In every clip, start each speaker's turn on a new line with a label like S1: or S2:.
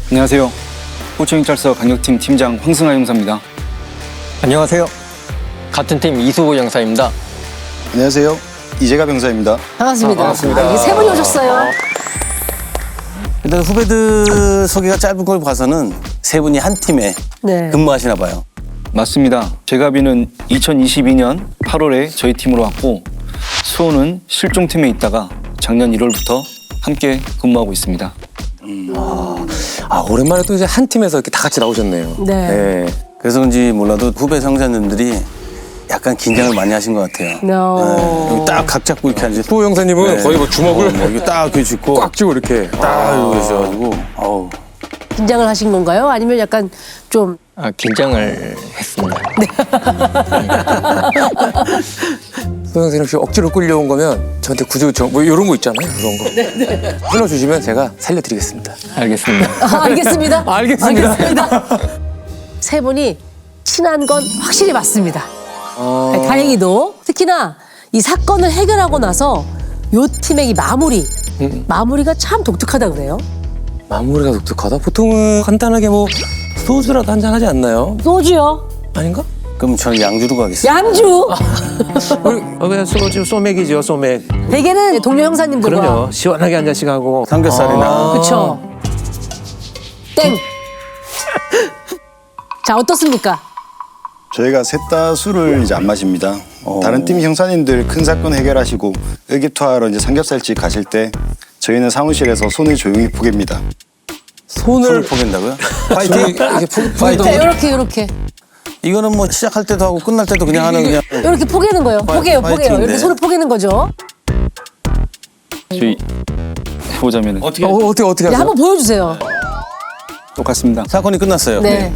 S1: 안녕하세요. 호초경찰서 강력팀 팀장 황승하 형사입니다.
S2: 안녕하세요. 같은 팀 이수호 형사입니다.
S3: 안녕하세요. 이재갑 형사입니다.
S4: 반갑습니다.
S2: 반갑습니다.
S4: 이게 세 분이 오셨어요.
S3: 일단 후배들 소개가 짧은 걸 봐서는 세 분이 한 팀에
S4: 네.
S3: 근무하시나 봐요.
S1: 맞습니다. 제갑이는 2022년 8월에 저희 팀으로 왔고 수호는 실종팀에 있다가 작년 1월부터 함께 근무하고 있습니다.
S2: 오랜만에 또 이제 한 팀에서 이렇게 다 같이 나오셨네요.
S4: 네.
S3: 그래서 그런지 몰라도 후배 상사님들이 약간 긴장을 많이 하신 것 같아요.
S4: No.
S3: 여기 딱 각 잡고 이렇게 앉으시고
S2: 수호 형사님은 거의 뭐 주먹을
S3: 여기 딱 이렇게 짚고
S2: 꽉 쥐고 이렇게.
S3: 딱 이러고 계셔가지고 어우.
S4: 긴장을 하신 건가요? 아니면 약간 좀
S5: 긴장을 했습니다.
S2: 수호 형사님 혹시 억지로 끌려온 거면 저한테 구조요청 뭐 이런 거 있잖아요. 그런 거. 끊어주시면 제가 살려드리겠습니다.
S5: 알겠습니다.
S4: 알겠습니다.
S2: 알겠습니다.
S4: 세 분이 친한 건 확실히 맞습니다. 네, 다행히도 특히나 이 사건을 해결하고 나서 요 팀의 이 마무리가 참 독특하다 그래요.
S2: 마무리가 독특하다. 보통은 간단하게 뭐 소주라도 한잔 하지 않나요?
S4: 소주요.
S2: 아닌가?
S3: 그럼 저는 양주로 가겠습니다.
S4: 양주.
S6: 그냥 소주 소맥이죠, 소맥.
S4: 대개는 동료 형사님들과.
S6: 그럼요. 시원하게 한 잔씩 하고.
S3: 삼겹살이나
S4: 그쵸. 땡. 자, 어떻습니까?
S3: 저희가 셋 다 술을 이제 안 마십니다. 다른 팀 형사님들 큰 사건 해결하시고 의기투하러 이제 삼겹살집 가실 때 저희는 사무실에서 손을 조용히 포갭니다.
S2: 손을
S3: 포갠다고요?
S2: 파이팅 이렇게 파이팅.
S4: 네, 요렇게.
S3: 이거는 뭐 시작할 때도 하고 끝날 때도 그냥 하는 그냥
S4: 이렇게 포개는 거예요. 포개요.
S3: 파이팅인데.
S4: 이렇게 손을 포개는 거죠.
S1: 저희 해보자면
S2: 어떻게
S4: 네,
S2: 하세요?
S4: 한번 보여주세요.
S1: 똑같습니다.
S3: 사건이 끝났어요.
S4: 네.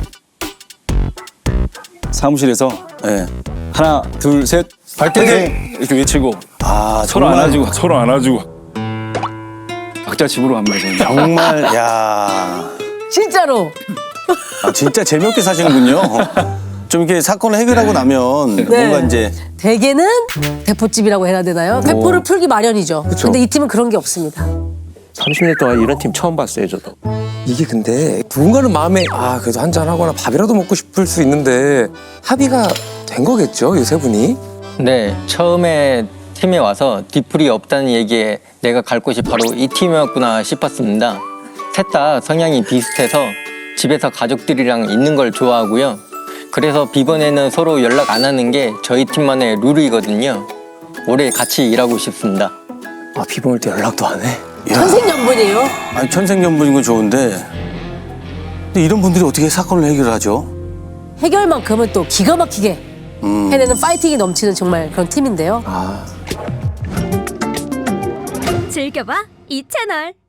S1: 사무실에서
S3: 네.
S1: 하나, 둘, 셋, 파이팅! 이렇게 외치고
S3: 아
S1: 서로
S3: 정말
S1: 안아주고 각자 집으로 갑니다. 저는.
S3: 정말 야
S4: 진짜로.
S3: 진짜 재미없게 사시는군요. 좀 이렇게 사건을 해결하고 나면
S4: 네.
S3: 뭔가 이제
S4: 대개는 대포집이라고 해야 되나요? 대포를 풀기 마련이죠. 근데 이 팀은 그런 게 없습니다.
S6: 30년 동안 이런 팀 처음 봤어요, 저도.
S2: 이게 근데 누군가는 마음에 그래도 한잔 하거나 밥이라도 먹고 싶을 수 있는데 합의가 된 거겠죠, 이 세 분이?
S5: 네, 처음에 팀에 와서 뒤풀이 없다는 얘기에 내가 갈 곳이 바로 이 팀이었구나 싶었습니다. 셋 다 성향이 비슷해서 집에서 가족들이랑 있는 걸 좋아하고요. 그래서 비번에는 서로 연락 안 하는 게 저희 팀만의 룰이거든요. 오래 같이 일하고 싶습니다.
S2: 비번 올 때 연락도 안 해?
S4: 천생연분이에요.
S3: 아니 천생연분인 건 좋은데 근데 이런 분들이 어떻게 사건을 해결하죠?
S4: 해결만큼은 또 기가 막히게 해내는 파이팅이 넘치는 정말 그런 팀인데요.
S7: 즐겨봐 이 채널.